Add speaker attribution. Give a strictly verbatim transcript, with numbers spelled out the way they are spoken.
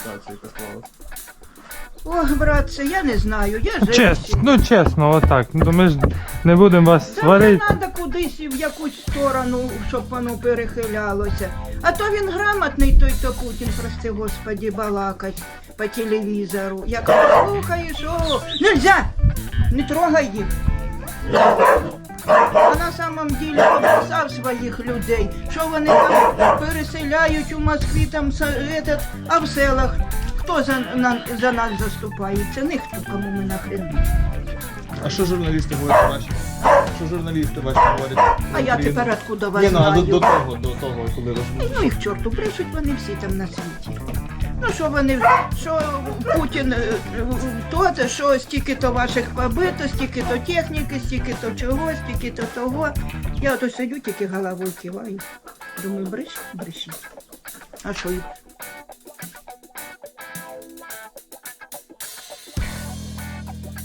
Speaker 1: ситуація, яка склалась?
Speaker 2: Ох, братце, я не знаю, я живу.
Speaker 3: Чесно, ну чесно, отак. Ну ми ж не будемо вас
Speaker 2: Та не
Speaker 3: сварити.
Speaker 2: треба кудись в якусь сторону, щоб воно перехилялося. А то він грамотний, той то Путін, прости господи, балакать по телевізору. Як слухаєш, о, нельзя, не трогай їх. А на самом деле обписав своїх людей, що вони там переселяють у Москві, там, с- этот, а в селах. Хто за, на, за нас заступається? Ніхто, кому ми нахрен.
Speaker 1: А що журналісти говорять ваші? Що журналісти ваші говорять?
Speaker 2: А я
Speaker 1: Україну?
Speaker 2: тепер откуда вас
Speaker 1: Ні, ну, а до,
Speaker 2: знаю?
Speaker 1: до того, до того, коли ви
Speaker 2: Ну їх чорту, брешуть вони всі там на світі. Ну що вони, що Путін, е, то, це, що стільки-то ваших побито, стільки-то техніки, стільки-то чого, стільки-то того. Я ото сидю, тільки головою киваю. Думаю, бреш, брешіть. А що,